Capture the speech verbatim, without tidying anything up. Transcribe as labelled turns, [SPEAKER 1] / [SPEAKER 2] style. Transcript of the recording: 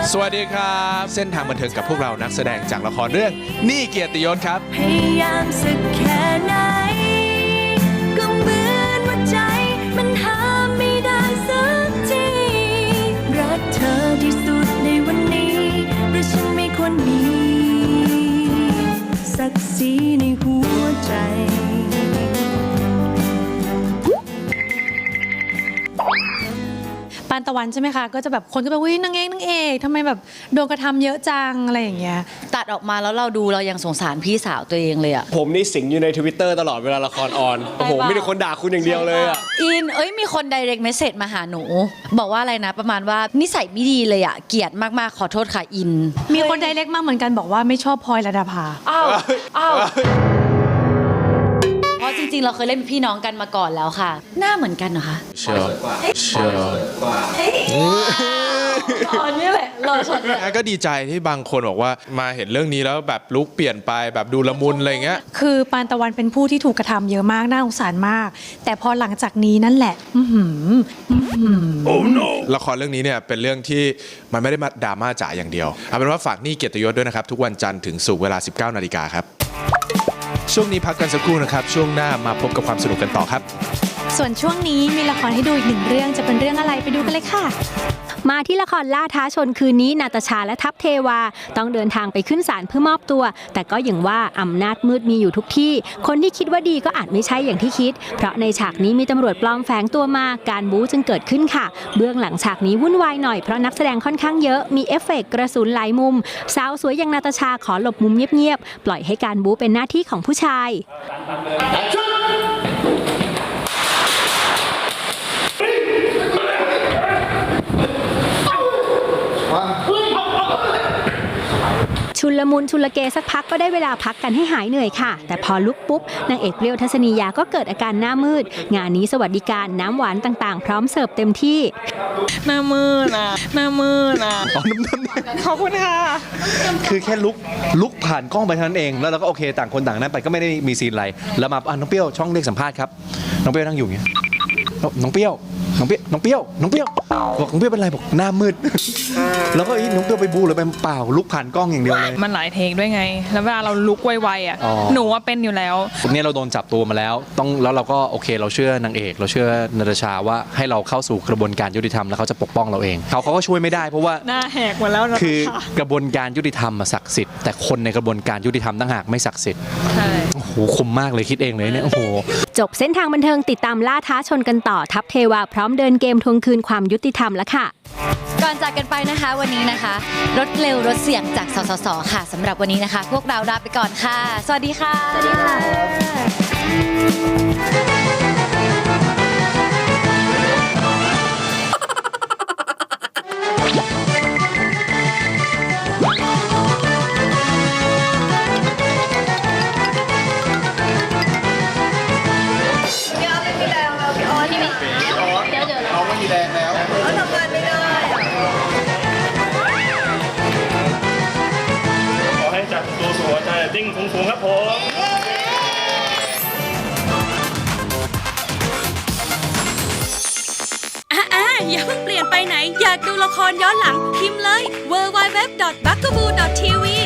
[SPEAKER 1] สวัสดีครับเส้นทางบันเทิงกับพวกเรานักแสดงจากละครเรื่องนี่เกียรติยศครับ
[SPEAKER 2] พยายามสักแค่ไหนก็เหมือนว่าใจมันหาไม่ได้สักทีรักเธอที่สุดในวันนี้แต่ฉันไม่ควรมีศักดิ์ศรีในหัวใจ
[SPEAKER 3] ปานตะวันใช่ไหมคะก็จะแบบคนก็แบบวิ่งนางเอกนางเอกทำไมแบบโดนกระทำเยอะจังอะไรอย่างเงี้ย
[SPEAKER 4] ตัดออกมาแล้วเราดูเรายังสงสารพี่สาวตัวเองเลยอะ
[SPEAKER 5] ผมนี่สิงอยู่ใน Twitter ตลอดเวลาละครออนโอ้โหมีแต่คนด่าคุณอย่างเดียวเลยอะ
[SPEAKER 4] อินเอ้ยมีคน direct message มาหาหนูบอกว่าอะไรนะประมาณว่านิสัยไม่ดีเลยอะเกลียดมากๆขอโทษค่ะอิน
[SPEAKER 3] มีคนไดเรกมากเหมือนกันบอกว่าไม่ชอบพลอยระดาภา
[SPEAKER 4] อ้าวอ้าวเพราะจริงๆเราเคยเล่นพี่น้องกันมาก่อนแล้วค่ะหน้าเหมือนกันเหรอคะ
[SPEAKER 1] เชื่อเชื่อ
[SPEAKER 4] ตอนนี้แหละรอช็อต
[SPEAKER 1] ก็ดีใจที่บางคนบอกว่ามาเห็นเรื่องนี้แล้วแบบลุคเปลี่ยนไปแบบดูละมุนอะไรเงี้ย
[SPEAKER 3] คือปานตะวันเป็นผู้ที่ถูกกระทำเยอะมากน่าสงสารมากแต่พอหลังจากนี้นั่นแหละอื้อหือ
[SPEAKER 1] โอ้ no ละครเรื่องนี้เนี่ยเป็นเรื่องที่มันไม่ได้มาดราม่าจ๋าอย่างเดียวเอาเป็นว่าฝากนี่เกียรติยศด้วยนะครับทุกวันจันทร์ถึงศุกร์เวลา สิบเก้านาฬิกาครับช่วงนี้พักกันสักครู่นะครับช่วงหน้ามาพบกับความสนุกกันต่อครับ
[SPEAKER 3] ส่วนช่วงนี้มีละครให้ดูอีกหนึ่งเรื่องจะเป็นเรื่องอะไรไปดูกันเลยค่ะ
[SPEAKER 6] มาที่ละครล่าท้าชนคืนนี้นาตาชาและทัพเทวาต้องเดินทางไปขึ้นศาลเพื่อมอบตัวแต่ก็อย่างว่าอำนาจมืดมีอยู่ทุกที่คนที่คิดว่าดีก็อาจไม่ใช่อย่างที่คิดเพราะในฉากนี้มีตำรวจปลอมแฝงตัวมาการบู๊จึงเกิดขึ้นค่ะเบื้องหลังฉากนี้วุ่นวายหน่อยเพราะนักแสดงค่อนข้างเยอะมีเอฟเฟกต์กระสุนหลายมุมสาวสวยอย่างนาตาชาขอหลบมุมเงียบๆปล่อยให้การบู๊เป็นหน้าที่ของผู้ชายชุลมุนชุลเกสักพักก็ได้เวลาพักกันให้หายเหนื่อยค่ะแต่พอลุกปุ๊บนางเอกเปรี้ยวทัศนียาก็เกิดอาการหน้ามืดงานนี้สวัสดิการน้ำหวานต่างๆพร้อมเสิร์ฟเต็มที่
[SPEAKER 7] หน้ามืดนะหน้ามืดนะขอบคุณค่ะ
[SPEAKER 5] คือแค่ลุกลุกผ่านกล้องไปเท่านั้นเองแล้วเราก็โอเคต่างคนต่างนั้นไปก็ไม่ได้มีซีนอะไรแล้วมาอ่ะน้องเปรี้ยวช่องเรียกสัมภาษณ์ครับน้องเปรี้ยวนั่งอยู่อย่างเงี้ยน้องเปรี้ยวน้องเปรี้ยวน้องเปรี้ยวน้องเปรี้ยวบอกน้องเปรี้ยวเป็นไรบอกหน้ามืดแล้วก็น้องเปรี้ยวไปบูหรือไปเปล่าลุกผ่านกล้องอย่างเดียวเลย
[SPEAKER 7] มันหลายเทคด้วยไงแล้วเวลาเราลุกไวๆอ่ะหนูว่าเป็นอยู่แล้ว
[SPEAKER 5] เนี่ยเราโดนจับตัวมาแล้วต้องแล้วเราก็โอเคเราเชื่อนางเอกเราเชื่อนาตาชาว่าให้เราเข้าสู่กระบวนการยุติธรรมแล้วเขาจะปกป้องเราเองเขาเขาก็ช่วยไม่ได้เพราะว่า
[SPEAKER 7] หน้าแหกหมดแล้วนะ
[SPEAKER 5] คือกระบวนการยุติธรรมศักดิ์สิทธิ์แต่คนในกระบวนการยุติธรรมต่างหากไม่ศักดิ์สิทธิ์
[SPEAKER 7] ใช่
[SPEAKER 5] โอ้โหคมมากเลยคิดเองเลยเนี่ยโอ้โห
[SPEAKER 6] จบเส้นทางบันเทิงติดตามล่าท้าชนกันต่อทัพเทวาพร้อมเดินเกมทวงคืนความยุติธรรมแล้วค่ะ
[SPEAKER 4] ก่อนจากกันไปนะคะวันนี้นะคะรถเร็วรถเสี่ยงจากสสสค่ะสำหรับวันนี้นะคะพวกเราลาไปก่อนค่ะสวัสดีค่ะ
[SPEAKER 6] สวัสดี
[SPEAKER 8] ติ้งสูงๆครับผม
[SPEAKER 2] อ่าอย่าเพิ่งเปลี่ยนไปไหนอยากดูละครย้อนหลังพิมพ์เลย ดับเบิลยู ดับเบิลยู ดับเบิลยู ดอท บักกะบู ดอท ที วี